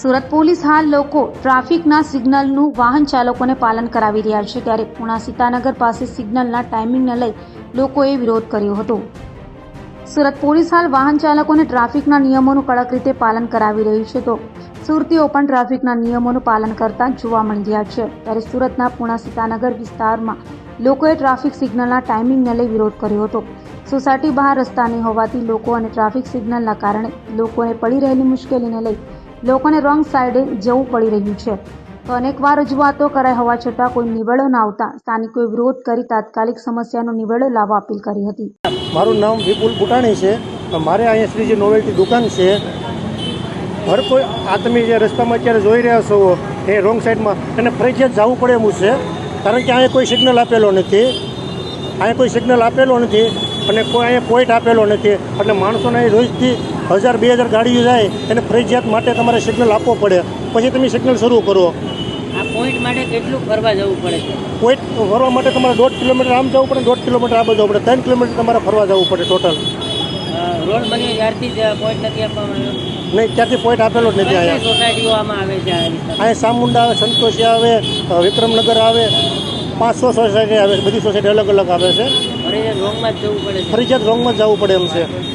Surat police હાલ લોકો ટ્રાફિકના સિગ્નલનું વાહન ચાલકોને પાલન કરાવી રહ્યા છે, ત્યારે પુણા સીતાનગર પાસે સિગ્નલના ટાઈમિંગને લઈ લોકોએ વિરોધ કર્યો હતો. સુરત પોલીસ હાલ વાહન ચાલકોને ટ્રાફિકના નિયમોનું કડક રીતે પાલન કરાવી રહી છે, તો સુરતીઓ પણ ટ્રાફિકના નિયમોનું પાલન કરતા જોવા મળી રહ્યા છે. ત્યારે સુરતના પુણા સીતાનગર વિસ્તારમાં લોકોએ ટ્રાફિક સિગ્નલના ટાઈમિંગને લઈ વિરોધ કર્યો હતો. સોસાયટી બહાર રસ્તા નહીં હોવાથી લોકો અને ટ્રાફિક સિગ્નલના કારણે લોકોને પડી રહેલી મુશ્કેલીને લઈ લોકોને રોંગ સાઈડે જવું પડી રહ્યું છે. તો અનેકવાર રજૂઆતો કરાઈ હોવા છતાં કોઈ નિવેડો ન આવતા સ્થાનિકોએ વિરોધ કરી તાત્કાલિક સમસ્યાનો નિવેડો લાવવા અપીલ કરી હતી. મારું નામ વિપુલ બુટાણી છે. મારે અહીંયા શ્રીજી નોવેલ્ટી દુકાન છે. હર કોઈ તમે જે રસ્તામાં અત્યારે જોઈ રહ્યા છો એ રોંગ સાઈડમાં એને ફરજિયાત જવું પડે એમ છે, કારણ કે અહીંયા કોઈ સિગ્નલ આપેલો નથી. અહીંયા કોઈ સિગ્નલ આપેલો નથી અને કોઈ અહીંયા પોઈન્ટ આપેલો નથી, એટલે માણસોને અહીં રોજથી 1000-2000 ગાડીઓ જાય એને ફરજિયાત માટે તમારે સિગ્નલ આપવો પડે, પછી તમે સિગ્નલ શરૂ કરો. આ પોઈન્ટ માટે કેટલું ફરવા જવું પડે છે? પોઈન્ટ ફરવા માટે તમારે 1.5 કિલોમીટર આમ જવું પડે, 1.5 કિલોમીટર આ જવું પડે, 3 કિલોમીટર તમારે ફરવા જવું પડે ટોટલ. રોડ બન્યો ત્યારથી જ પોઈન્ટ નથી આપવામાં આવ્યો? નહીં, ત્યાંથી પોઈન્ટ આપેલો જ નથી. અહીંયા સોસાયટીઓ આમાં આવે છે? અહીંયા સામુંડા આવે, સંતોષી આવે, વિક્રમનગર આવે, 500 સોસાયટી આવે, બધી સોસાયટી અલગ અલગ આવે છે. ફરજિયાત રોંગમાં જ જવું પડે છે? ફરજિયાત રોંગમાં જ જવું પડે એમ છે.